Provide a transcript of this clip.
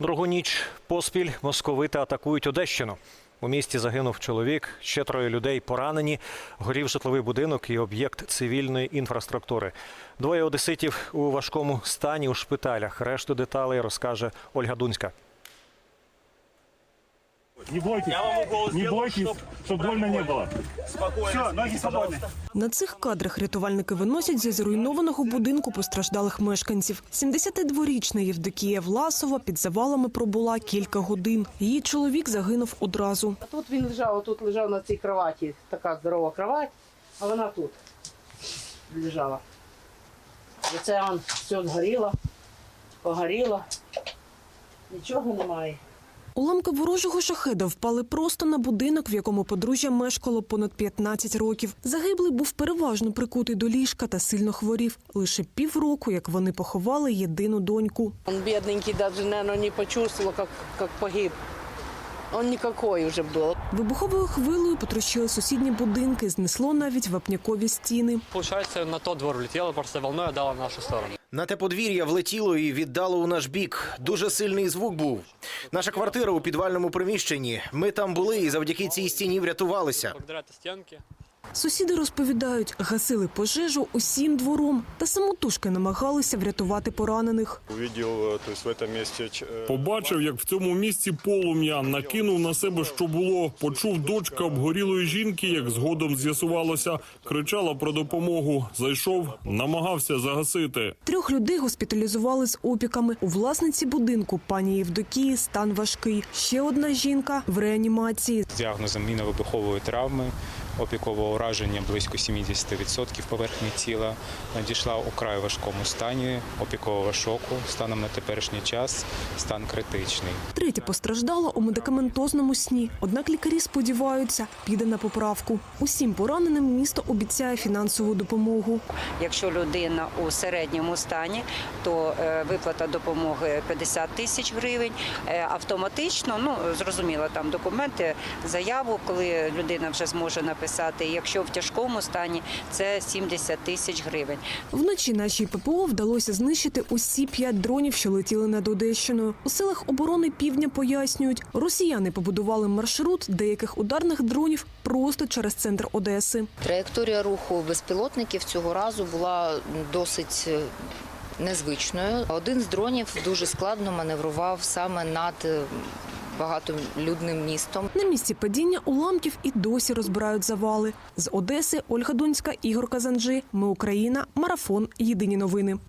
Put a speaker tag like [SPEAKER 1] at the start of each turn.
[SPEAKER 1] Другу ніч поспіль московити атакують Одещину. У місті загинув чоловік, ще 3 людей поранені, горів житловий будинок і об'єкт цивільної інфраструктури. 2 одеситів у важкому стані у шпиталях. Решту деталей розкаже Ольга Дунська.
[SPEAKER 2] Не бойтесь, щоб больно не було. Все, ноги свободні.
[SPEAKER 3] На цих кадрах рятувальники виносять зі зруйнованого будинку постраждалих мешканців. 72-річна Євдокія Власова під завалами пробула кілька годин. Її чоловік загинув одразу.
[SPEAKER 4] Тут він лежав на цій кроваті, така здорова кровать, а вона тут лежала. І це все згоріло, погоріло, нічого немає.
[SPEAKER 3] Уламки ворожого шахеда впали просто на будинок, в якому подружжя мешкало понад 15 років. Загиблий був переважно прикутий до ліжка та сильно хворів. Лише півроку, як вони поховали єдину доньку.
[SPEAKER 4] Он бедненький даже, наверное, не почувствовал, как погиб. Он никакой уже был.
[SPEAKER 3] Вибуховою хвилею потрощили сусідні будинки, знесло навіть вапнякові стіни.
[SPEAKER 5] Получается, на тот двор влетело, просто волной отдало в нашу сторону.
[SPEAKER 6] На те подвір'я влетіло і віддало у наш бік. Дуже сильний звук був. Наша квартира у підвальному приміщенні. Ми там були і завдяки цій стіні врятувалися.
[SPEAKER 5] Благодаря этой стенке.
[SPEAKER 3] Сусіди розповідають, гасили пожежу усім двором та самотужки намагалися врятувати поранених.
[SPEAKER 7] Побачив, як в цьому місці полум'я, накинув на себе, що було. Почув дочка обгорілої жінки, як згодом з'ясувалося, кричала про допомогу. Зайшов, намагався загасити.
[SPEAKER 3] 3 людей госпіталізували з опіками. У власниці будинку, пані Євдокії, стан важкий. Ще одна жінка в реанімації.
[SPEAKER 8] З діагнозом мінно-вибухової травми, опікового ураження близько 70% поверхні тіла, надійшла у край важкому стані опікового шоку. Станом на теперішній час стан критичний.
[SPEAKER 3] 3 постраждала у медикаментозному сні. Однак лікарі сподіваються, піде на поправку. Усім пораненим місто обіцяє фінансову допомогу.
[SPEAKER 9] Якщо людина у середньому стані, то виплата допомоги 50 тисяч гривень. Автоматично, зрозуміло, там документи, заяву, коли людина вже зможе написати. Якщо в тяжкому стані, це 70 тисяч гривень.
[SPEAKER 3] Вночі нашій ППО вдалося знищити усі 5 дронів, що летіли над Одещиною. У силах оборони Півдня пояснюють, росіяни побудували маршрут деяких ударних дронів просто через центр Одеси.
[SPEAKER 10] Траєкторія руху безпілотників цього разу була досить незвичною. Один з дронів дуже складно маневрував саме над багатолюдним містом.
[SPEAKER 3] На місці падіння уламків і досі розбирають завали. З Одеси Ольга Дунська, Ігор Казанджи. Ми Україна. Марафон. Єдині новини.